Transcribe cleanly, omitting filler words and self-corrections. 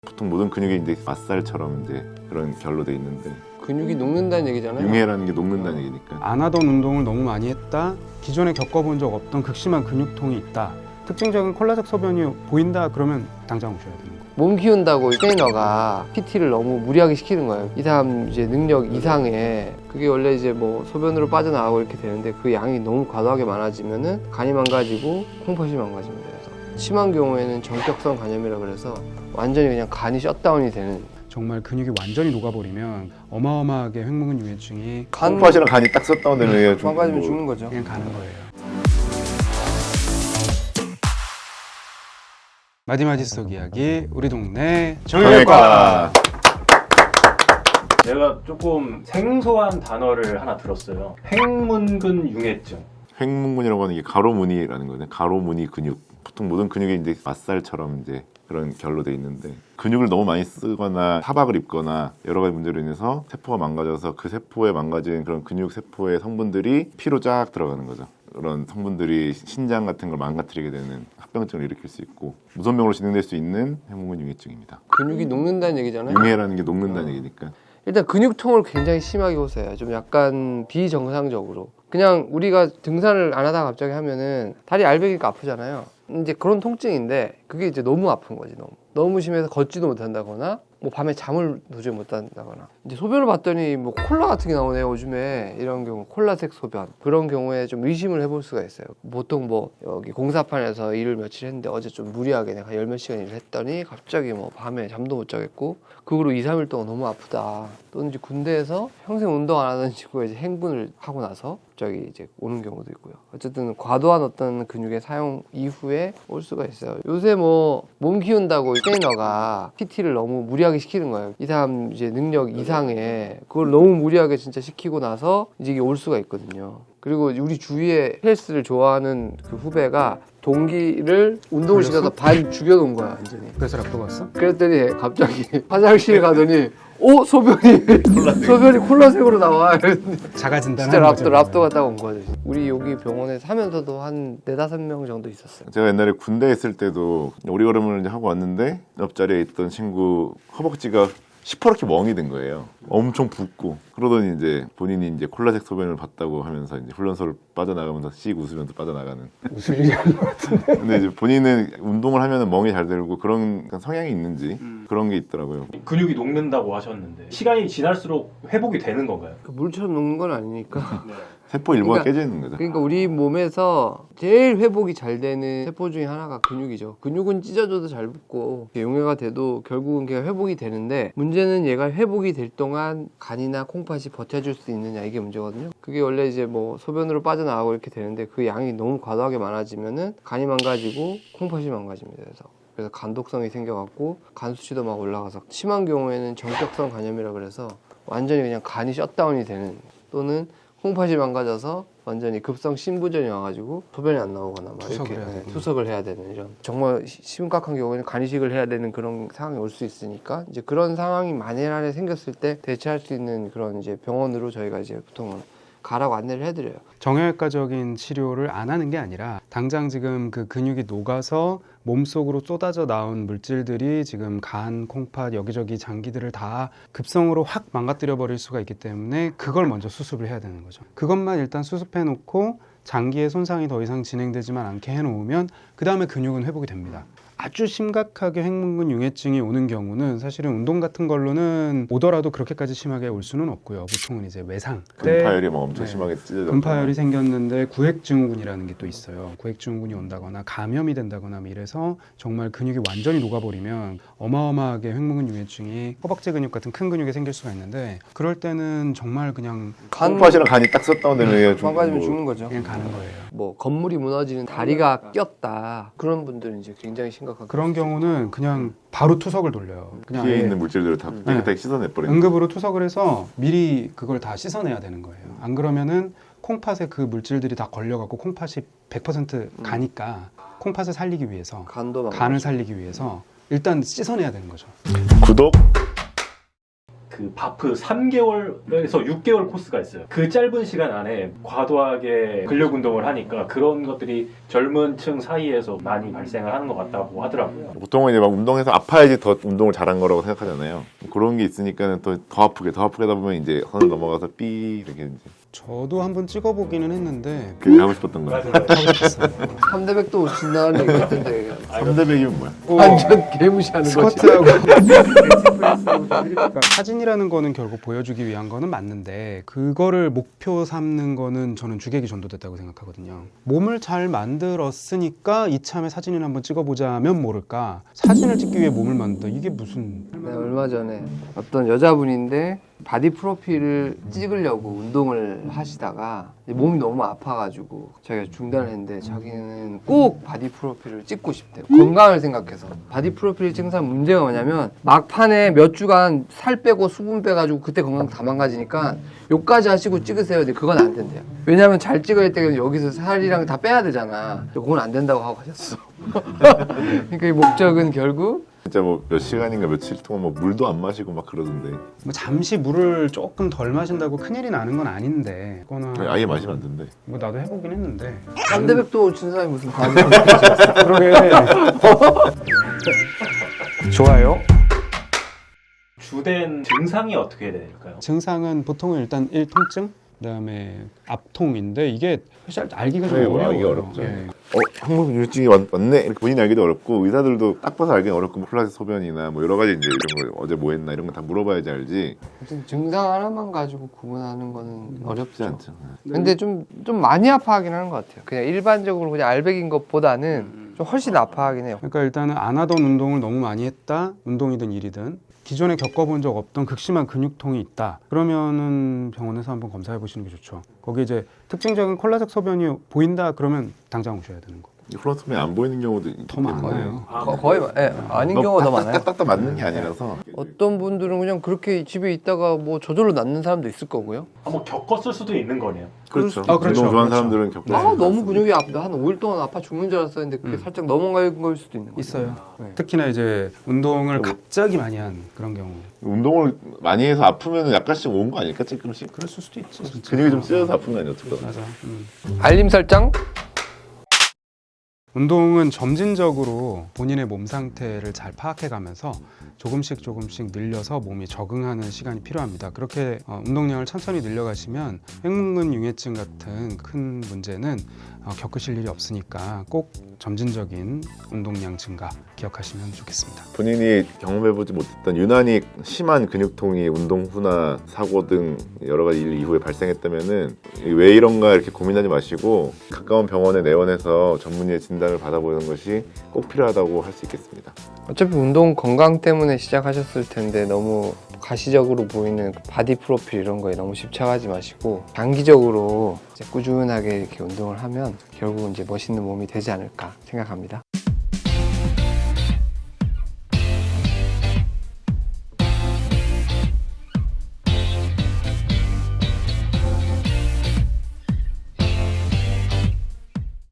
보통 모든 근육이 이제 맛살처럼 이제 그런 결로 돼 있는데 근육이 녹는다는 얘기잖아요. 융해라는 게 녹는다는 얘기니까. 안 하던 운동을 너무 많이 했다, 기존에 겪어본 적 없던 극심한 근육통이 있다, 특징적인 콜라색 소변이 보인다, 그러면 당장 오셔야 되는 거예요. 몸 키운다고 트레이너가 PT를 너무 무리하게 시키는 거예요. 이 사람 이제 능력 이상에 그게 원래 이제 뭐 소변으로 빠져나가고 이렇게 되는데 그 양이 너무 과도하게 많아지면은 간이 망가지고 콩팥이 망가집니다. 그래서 심한 경우에는 전격성 간염이라 그래서 완전히 그냥 간이 셧다운이 되는. 정말 근육이 완전히 녹아버리면 어마어마하게 횡문근 유해증이 콩팥이랑 간이 딱 섰다운되는 게 좀 망가지면 죽는 거죠. 그냥 가는 거예요. 마디마디 속 이야기, 우리 동네 정형외과. 내가 조금 생소한 단어를 하나 들었어요. 횡문근 융해증. 횡문근이라고 하는 게 가로무늬라는 거죠. 가로무늬 근육. 보통 모든 근육이 이제 맛살처럼 이제 그런 결로 돼 있는데 근육을 너무 많이 쓰거나 타박을 입거나 여러 가지 문제로 인해서 세포가 망가져서 그 세포에 망가진 그런 근육 세포의 성분들이 피로 쫙 들어가는 거죠. 그런 성분들이 신장 같은 걸 망가뜨리게 되는 합병증을 일으킬 수 있고 무선병으로 진행될 수 있는 횡문근 융해증입니다. 근육이 녹는다는 얘기잖아요. 융해라는 게 녹는다는 얘기니까. 일단 근육통을 굉장히 심하게 호소해요. 좀 약간 비정상적으로. 그냥 우리가 등산을 안 하다가 갑자기 하면은 다리 알배기가 아프잖아요. 이제 그런 통증인데 그게 이제 너무 아픈 거지. 너무 심해서 걷지도 못한다거나 뭐 밤에 잠을 도저히 못 잔다거나. 이제 소변을 봤더니 뭐 콜라 같은 게 나오네요. 요즘에 이런 경우 콜라색 소변, 그런 경우에 좀 의심을 해볼 수가 있어요. 보통 뭐 여기 공사판에서 일을 며칠 했는데 어제 좀 무리하게 내가 열 몇 시간 일을 했더니 갑자기 뭐 밤에 잠도 못 자겠고 그 후로 2, 3일 동안 너무 아프다. 또는 이제 군대에서 평생 운동 안 하던 친구가 이제 행군을 하고 나서 갑자기 이제 오는 경우도 있고요. 어쨌든 과도한 어떤 근육의 사용 이후에 올 수가 있어요. 요새 뭐 몸 키운다고 트레이너가 PT를 너무 무리하게 시키는 거예요. 이 사람 이제 능력 이상에 그걸 너무 무리하게 진짜 시키고 나서 이제 이게 올 수가 있거든요. 그리고 우리 주위에 헬스를 좋아하는 그 후배가 동기를 운동을 시켜서 반 죽여놓은 거야 완전히. 그래서 락도 갔어? 그랬더니 갑자기 화장실에 가더니 소변이 콜라색으로 나와. 자가진단 진짜 하는 거죠. 랍도 갔다 온 거죠. 우리 여기 병원에 사면서도 한 4-5명 정도 있었어요. 제가 옛날에 군대에 있을 때도 오리걸음을 이제 하고 왔는데 옆자리에 있던 친구 허벅지가 시퍼렇게 멍이 든 거예요. 엄청 붓고 그러더니 이제 본인이 이제 콜라색 소변을 봤다고 하면서 이제 훈련소를 빠져나가면서 씩 웃으면서 빠져나가는. 무슨 일이 하는 것 같은데. 근데 이제 본인은 운동을 하면 멍이 잘 들고 그런 성향이 있는지 그런 게 있더라고요. 근육이 녹는다고 하셨는데 시간이 지날수록 회복이 되는 건가요? 물처럼 녹는 건 아니니까. 세포 일부가 그러니까- 깨지는 거죠. 그러니까 우리 몸에서 제일 회복이 잘 되는 세포 중에 하나가 근육이죠. 근육은 찢어져도 잘 붙고 용해가 돼도 결국은 걔가 회복이 되는데 문제는 얘가 회복이 될 동안 간이나 콩팥이 버텨줄 수 있느냐, 이게 문제거든요. 그게 원래 이제 뭐 소변으로 빠져나가고 이렇게 되는데 그 양이 너무 과도하게 많아지면은 간이 망가지고 콩팥이 망가집니다. 그래서 간독성이 생겨갖고 간 수치도 막 올라가서 심한 경우에는 전격성 간염이라 그래서 완전히 그냥 간이 셧다운이 되는, 또는 콩팥이 망가져서 완전히 급성 신부전이 와가지고 소변이 안 나오거나 막 투석을 이렇게 해야 되는. 투석을 해야 되는, 이런 정말 심각한 경우에는 간이식을 해야 되는 그런 상황이 올 수 있으니까 이제 그런 상황이 만연하게 생겼을 때 대처할 수 있는 그런 이제 병원으로 저희가 이제 보통은 가라고 안내를 해드려요. 정형외과적인 치료를 안 하는 게 아니라 당장 지금 그 근육이 녹아서 몸속으로 쏟아져 나온 물질들이 지금 간, 콩팥, 여기저기 장기들을 다 급성으로 확 망가뜨려 버릴 수가 있기 때문에 그걸 먼저 수습을 해야 되는 거죠. 그것만 일단 수습해 놓고 장기의 손상이 더 이상 진행되지만 않게 해놓으면 그 다음에 근육은 회복이 됩니다. 아주 심각하게 횡문근 융해증이 오는 경우는 사실은 운동 같은 걸로는 오더라도 그렇게까지 심하게 올 수는 없고요. 보통은 이제 외상, 근파열이 막 엄청 네. 심하게 찢어져. 근파열이 생겼는데 구획증후군이라는 게 또 있어요. 구획증후군이 온다거나 감염이 된다거나 뭐 이래서 정말 근육이 완전히 녹아버리면 어마어마하게 횡문근 융해증이 허벅지 근육 같은 큰 근육에 생길 수가 있는데 그럴 때는 정말 그냥 콩팥이랑 간이 딱 섰다운되는 게 좀 망가지면 죽는 거죠. 그냥 가는 거예요. 뭐 건물이 무너지는 다리가 꼈다, 그런 분들은 이제 굉장히 심각하고, 그런 경우는 그냥 바로 투석을 돌려요. 그냥 피에 아예 있는 물질들을 다 깨끗하게 씻어내버리는. 응급으로 투석을 해서 미리 그걸 다 씻어내야 되는 거예요. 안 그러면은 콩팥에 그 물질들이 다 걸려갖고 콩팥이 100% 가니까 콩팥을 살리기 위해서, 간도 간을 살리기 위해서 일단 씻어내야 되는 거죠. 구독 그 바프 3개월에서 6개월 코스가 있어요. 그 짧은 시간 안에 과도하게 근력 운동을 하니까 그런 것들이 젊은 층 사이에서 많이 발생을 하는 것 같다고 하더라고요. 보통은 이제 막 운동해서 아파야지 더 운동을 잘한 거라고 생각하잖아요. 그런 게 있으니까는 또 더 아프게 하다 보면 이제 선 넘어가서 삐 이렇게 이제 저도 한번 찍어보기는 했는데 그게 하고 싶었던 거예요. 맞아요. 3대 100도 진다는 얘기 같은데 3대 100이면 뭐야? 완전 개무시하는 거지. 스쿼트하고 그러니까 사진이라는 거는 결국 보여주기 위한 거는 맞는데 그거를 목표 삼는 거는 저는 주객이 전도됐다고 생각하거든요. 몸을 잘 만들었으니까 이참에 사진을 한번 찍어보자면 모를까 사진을 찍기 위해 몸을 만든다 이게 무슨 네, 얼마 전에 어떤 여자분인데 바디 프로필을 찍으려고 운동을 하시다가 몸이 너무 아파가지고 자기가 중단을 했는데 자기는 꼭 바디 프로필을 찍고 싶대요. 건강을 생각해서. 바디 프로필을 찍는 사람 문제가 뭐냐면 막판에 몇 주간 살 빼고 수분 빼가지고 그때 건강 다 망가지니까 요까지 하시고 찍으세요. 근데 그건 안 된대요. 왜냐면 잘 찍어야 때는 여기서 살이랑 다 빼야 되잖아. 그건 안 된다고 하고 가셨어. 그러니까 이 목적은 결국 진짜 뭐 몇 시간인가 며칠 동안 뭐 물도 안 마시고 막 그러던데 뭐 잠시 물을 조금 덜 마신다고 큰일이 나는 건 아닌데 그거는 아예 마시면 안 된대. 뭐 나도 해보긴 했는데 3대 100도 친 사람이 무슨 바디 프로필 그러게 좋아요. 주된 증상이 어떻게 될까요? 증상은 보통은 일단 통증 그다음에 압통인데 이게 사실 알기가 좀 네, 어려워요. 알기가 어렵죠. 예. 항문근육증이 왔네 이렇게 본인이 알기도 어렵고 의사들도 딱 봐서 알기는 어렵고 뭐 플라즈 소변이나 뭐 여러 가지 이제 이런 거 어제 뭐 했나 이런 거 다 물어봐야지 알지. 증상 하나만 가지고 구분하는 거는 어렵지 어렵죠. 않죠. 근데 좀 많이 아파하긴 하는 것 같아요. 그냥 일반적으로 그냥 알백인 것보다는 좀 훨씬 아파하긴 해요. 그러니까 일단은 안 하던 운동을 너무 많이 했다. 운동이든 일이든 기존에 겪어본 적 없던 극심한 근육통이 있다. 그러면은 병원에서 한번 검사해 보시는 게 좋죠. 거기 이제 특징적인 콜라색 소변이 보인다 그러면 당장 오셔야 되는 거. 플라토맨이 안 보이는 경우도 있기 더 많아요. 거의 아닌 경우가 더 많아요. 딱딱 맞는 게 아니라서 어떤 분들은 그냥 그렇게 집에 있다가 뭐 저절로 낫는 사람도 있을 거고요. 한번 겪었을 수도 있는 거네요. 그렇죠. 아, 그렇죠. 운동 좋아하는 그렇죠. 사람들은 겪는 아 너무 근육이 아프다. 한 5일 동안 아파 죽는 줄 알았었는데 그게 살짝 넘어간 걸 수도 있는 거죠. 있어요. 네. 특히나 이제 운동을 갑자기 많이 한 그런 경우. 운동을 많이 해서 아프면 약간씩 온 거 아닐까 조금씩. 그럴 수도 있지. 진짜. 근육이 좀 찢어서 아픈 거 아니야 어떡하나. 맞아. 알림 설정. 운동은 점진적으로 본인의 몸 상태를 잘 파악해가면서 조금씩 늘려서 몸이 적응하는 시간이 필요합니다. 그렇게 운동량을 천천히 늘려가시면 횡문근 융해증 같은 큰 문제는 겪으실 일이 없으니까 꼭 점진적인 운동량 증가 기억하시면 좋겠습니다. 본인이 경험해보지 못했던 유난히 심한 근육통이 운동 후나 사고 등 여러 가지 일 이후에 발생했다면은 왜 이런가 이렇게 고민하지 마시고 가까운 병원에 내원해서 전문의의 진단을 받아보는 것이 꼭 필요하다고 할 수 있겠습니다. 어차피 운동 건강 때문에 시작하셨을 텐데 너무 가시적으로 보이는 바디 프로필 이런 거에 너무 집착하지 마시고 장기적으로 이제 꾸준하게 이렇게 운동을 하면 결국 이제 멋있는 몸이 되지 않을까 생각합니다.